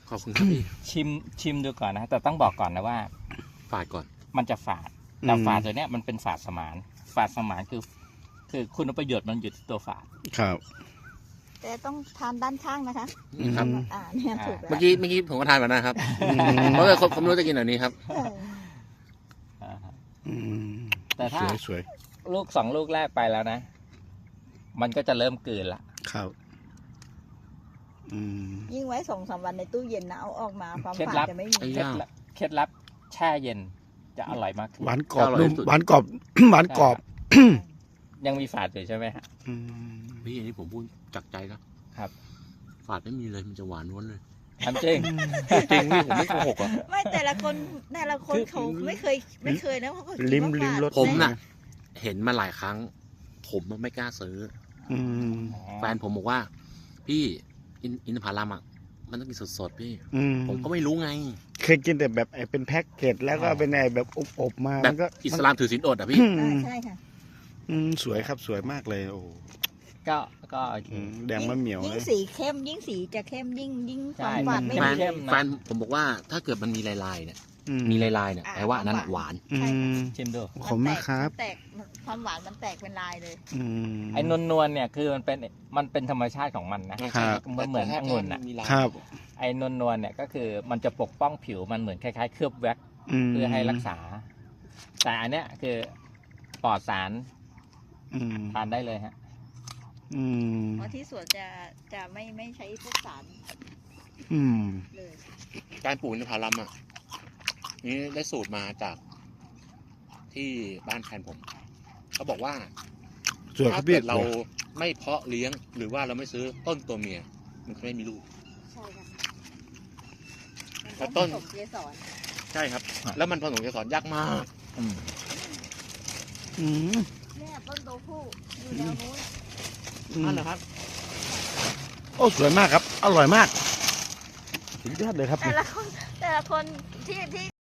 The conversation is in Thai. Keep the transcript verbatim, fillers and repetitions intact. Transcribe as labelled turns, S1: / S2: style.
S1: ขอบคุณครับพี่
S2: ชิมชิมดูก่อนนะแต่ต้องบอกก่อนนะว่า
S1: ฝาดก่อน
S2: มันจะฝาดแต่ฝาดตัวเนี้ยมันเป็นฝาดสมานฝาดสมานคือ คือคุณประโยชน์มันอยู่ที่ตัวฝาด
S3: ครับ
S4: แต่ต้องทานด้านข้างนะคะ
S1: ครับ
S3: อืม
S4: อ่าเนี่ยถูกแล้ว
S1: เมื่อกี้เมื่อกี้ผมก็ทานมานะครับเพราะว่าผมรู้จะกินแบบนี้ครับ
S4: เออ
S2: อ่าฮะ
S3: อืม
S2: แต่ถ้า
S3: สวยสวย
S2: ลูกสองลูกแรกไปแล้วนะ มันก็จะเริ่มกลืนละ
S3: ครับอืม
S4: ยิ่งไว้สองสามวันในตู้เย็นนะเอาออกมาความ
S2: เคล็ด
S4: ฝาด
S2: ลับ
S4: จะไม่มี
S1: ไอ้
S2: เคล็ดลับเคล็ดลับแช่เย็นจะอร่อยมากขึ้น
S3: หวานกรอบ
S1: อร่อย
S3: นุ่ม
S1: ที่สุด
S3: หวานกรอบ หวานกรอบ
S2: ยังมีฝาดอยู่ใช่ไหมฮะ
S3: อืม
S1: พี่อันนี้ผมพูดจากใจนะครับ ฝาดไม่มีเลยมันจะหวานล้วนเลย
S2: ทำจริง
S1: จริงพี่ผมไม่โกหกอ่ะ
S4: ไม่แต่ละคนแต่ละคน
S2: คือ
S4: เขาไม่เคยไม่เคยนะเขาก็คิด
S3: ลิ้ม
S4: ว่า
S3: ลิ้ม
S4: ฝาด
S3: รส
S1: ผมน่ะ เห็นมาหลายครั้ง ผมไม่กล้าซื้อ
S3: อืม
S1: แฟนผมบอกว่า พี่อินอินทผลัมอ่ะมันต้องกินสดๆพี่
S3: อืม
S1: ผมก็ไม่รู้ไง
S3: เคยกินแต่แบบไอ้เป็นแพ็กเกจแล้วก็เป็นไอ้แบบอบๆมา
S1: แบ
S3: มั
S1: บ
S3: นก็
S1: อิสลามถือศีลอดอ่ะพี่
S3: อื
S4: อ่าม ใช่ค่ะ
S3: อืมสวยครับสวยมากเลยโอ้
S2: ก็ก็โอเค
S3: อืมแดงมะเหมียว
S4: ยิ่ง
S3: นะ
S4: สีเข้มยิ่งสีจะเข้มยิ่งยิ่งค
S2: ใช่
S4: วามหวานไม่
S1: แฟน
S4: มี
S2: เข้มนะ
S1: แฟนผมบอกว่าถ้าเกิดมันมีลายๆเนี่ย
S3: อื
S1: มีลายๆเนี่ย
S4: อ่า
S1: แปลว่าอันนั้นอะหวาน
S3: อืม
S2: ชิมดู
S3: ขอบคุณมากครับ
S4: นแตกมันความหวานมันแตกเป็นลายเลย
S3: อืม
S2: ไอ้นวลนวลๆเนี่ยคือมันเป็นมันเป็นธรรมชาติของมันนะครับ มันเหมือนองุ่นอ่ะ
S3: ครับ
S2: ไอ้นวลนวลๆเนี่ยก็คือมันจะปกป้องผิวมันเหมือนคล้ายๆเคลือบแว็กซ์
S3: ม
S2: เพื่อให้รักษา แต่อันเนี้ยคือปลอดสาร
S3: อืม
S2: ทานได้เลยฮะ
S3: อืม
S4: เพราะที่สวนจะจะไม่ไม่ใช้พวกสาร
S3: อืม
S4: เลย
S1: การปลูกอินทผลัมอ่ะนี่ได้สูตรมาจากที่บ้านแฟนผมเขาบอกว่า
S3: สวยครั
S1: ถ้า
S3: บพี่
S1: เกิดเราไม่เพาะเลี้ยง หรือว่าเราไม่ซื้อต้นตัวเมีย มันจะไม่มีลูก
S4: ใช่ค่ะ
S1: แต่ต้น
S4: ผสมเกสร
S1: ใช่ครับ
S2: อ่ะ
S1: แล้วมันผสมเกสรยากมาก
S2: อืม
S3: อืม
S4: เนี่ยต้นโตผู้อยู่แนวนู้น
S1: นั่นแหละครับ
S3: โอ้สวยมากครับ อร่อยมากสุดยอดเลยครับ
S4: แต่ละคนแต่ละคนที่ที่